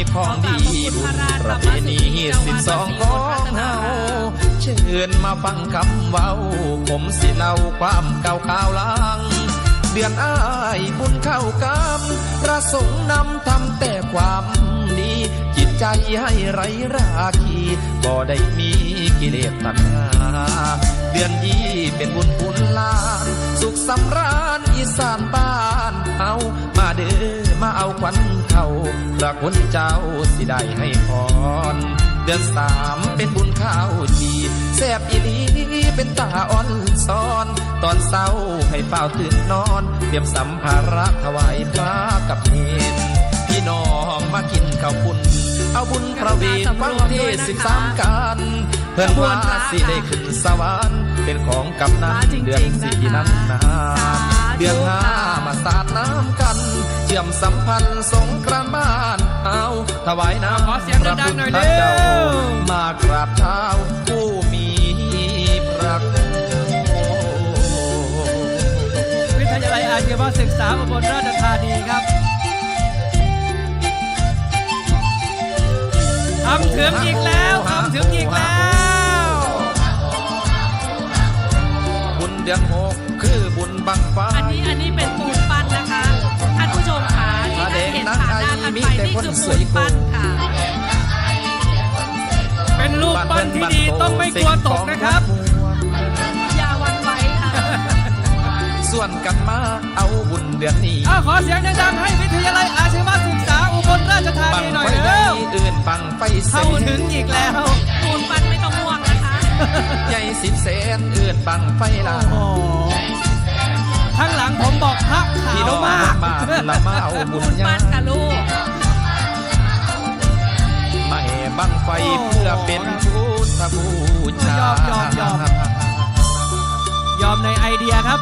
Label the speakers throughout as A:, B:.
A: ของดีบุญประเพณี12ของเฮาเชิญมาฟังคำเว้าผมสิเล่าความเก่าข่าวหลังเดือนอ้ายบุญเข้ากำประสงค์นำทำแต่ความดีจิตใจให้ไร้ราคีบ่ได้มีกิเลสตัณหาเดือนยี่เป็นบุญคุณลานสุขสำราญอีสานบ้านเฮามาเด้อมาเอาขวัญเข้าพระคุณเจ้าสิได้ให้พรเดือน3เป็นบุญข้าวจีแซ่บอีหลีเป็นตาอ่อนซ้อนตอนเศร้าให้เฝ้าตื่นนอนเตรียมสัมภาระถวายพระกับเนรพี่น้องมากินข้าวปุ้นเอาบุญประเวทฟังเทศ13กันเพื่อนว่าสิได้ขึ้นสวรรค์เป็นของกำนันเดือน4นั้นนาเดือน5มาสาดน้ำกันเชื่อมสัมพันธ์สงกรานต์บ้านเอาถวายน้ำพระพุทธเจ้ามากราบเท้าผู้มีพระคุณ
B: วิทยาลัยอาชีวศึกษาอุบลราชธานีครับทำถึงอีกแล้วทำถึงอีกแล้ว
A: บุญเดือน6คือบุญบังไฟ
C: อันนี้เป็นปูนปั้นนะคะท่านผู้ชมค่ะที่ท่านเห็นผ่านหน้าท่านไปนี่คือปูนปั้นค่ะ
B: เป็นรูปปั้นที่ดีต้องไม่กลัวตกนะครับ
C: อย่าหวั่นไหวค่ะ
A: ส่วนกันมาเอาบุญเดือนนี้
B: ขอเสียงดังๆให้วิทยาลัยอาชีวศึกษาอุบลราชธานีหน่อยเร็ว
A: อื่นบังไฟ
B: เข้าถึงอีกแล้ว
C: ปูนปั้นไม่ต้องห่วงนะคะ
A: ใหญ่10 เซนอื่นบังไฟลา
B: ข้างหลังผมบอกพระขาวมาก
A: ละมาเอาบุญ
C: ญาค่ะลูก
A: ไม่บังไฟเพื่อเป็นพุทธบูช
B: ายอมในไอเดียครับ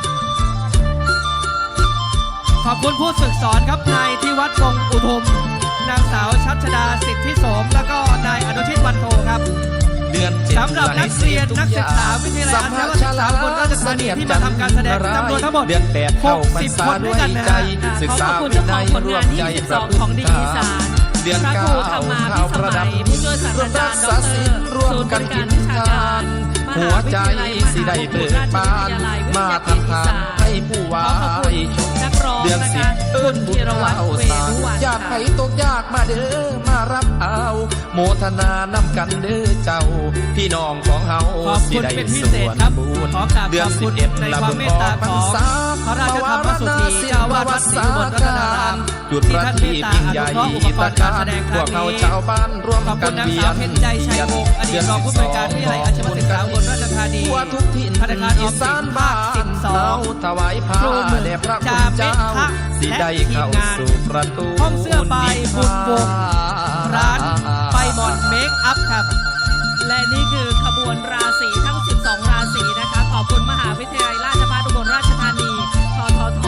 B: ขอบคุณผู้ฝึกสอนครับนายที่วัดวงอุทุมนางสาวชัชดาสิทธิโสมแล้วก็นายอนุชิตวันโทครับสำหรับนักเรียนนักศึกษาวิทยาลัยอาชีวศึกษาอุบลราชธานีที่มาทำการแสดงจำนวนทั้งหมด60 คนด้วยกันนะครับ
C: ขอบคุณเจ้าของผลงาน22ของดีอีสานพระครูธรรมาภิสมัยผู้ช่วยศาสตราจารย์ดร.ศูนย์บริการวิชาการ
A: หัวใจสิได้เปิดบานมาทำทางให้ผู้วาย
C: เดือน10
A: คุณธีรวัตรเวรุวันอยากให้ตกยากมาเด้อมารับเอาโมทนานำกันเด้อเจ้าพี่น้องของเฮาสิได้ส่วนบุญเดือน11
B: ในความเมตตาของพระราชธรรมสุธีเจ้าวาดวัดศรีอุบลรัตนาราม
A: จุดประทีปยิ่งใหญ่ตะการพวกเราชาวบ้านร่วมกันเวียน
B: เดือนผู้บริการวิทยาลัยอาชีวศึกษาอุบลราชธานี
A: ทุกถิ่นธนาคารอีสานบ้านเราถวายผ้าแด่พระคุณเจ้าสิได้เข้าสู่ประตู
B: ห้องเสื้อใบบุญวงร้านไปหมอนเมคอัพครับ
C: และนี่คือขบวนราศีทั้ง12ราศีนะคะขอบคุณมหาวิทยาลัยราชภัฏอุบลราชธานีททท.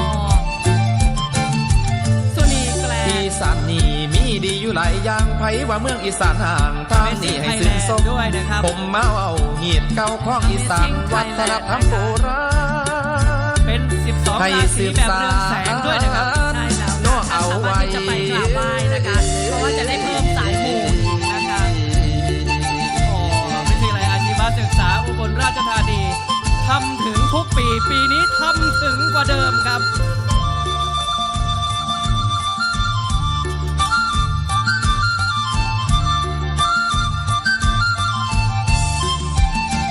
C: สุนีแกล
A: อีสานนี่มีดีอยู่หลายอย่างไผว่าเมืองอีสานห่างทางนี้ให้ซึ้งสมผมเมาเอาเหียดเก่าของอีสานวัฒนธรรมโบราณ
B: เป็น12ราศีแบบเรืองแสงด้วยนะครับ
C: ใช่แล้วค่ะสามารถที่จะไปกราบไหว้นะคะเพราะว่าจะได้เพิ่มสายมูนะคะ
B: วิทยาลัยอาชีวศึกษาอุบลราชธานีทำถึงทุกปีปีนี้ทำถึงกว่าเดิมครับ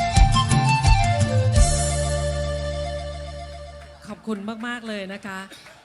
C: ขอบคุณมากๆเลยนะคะ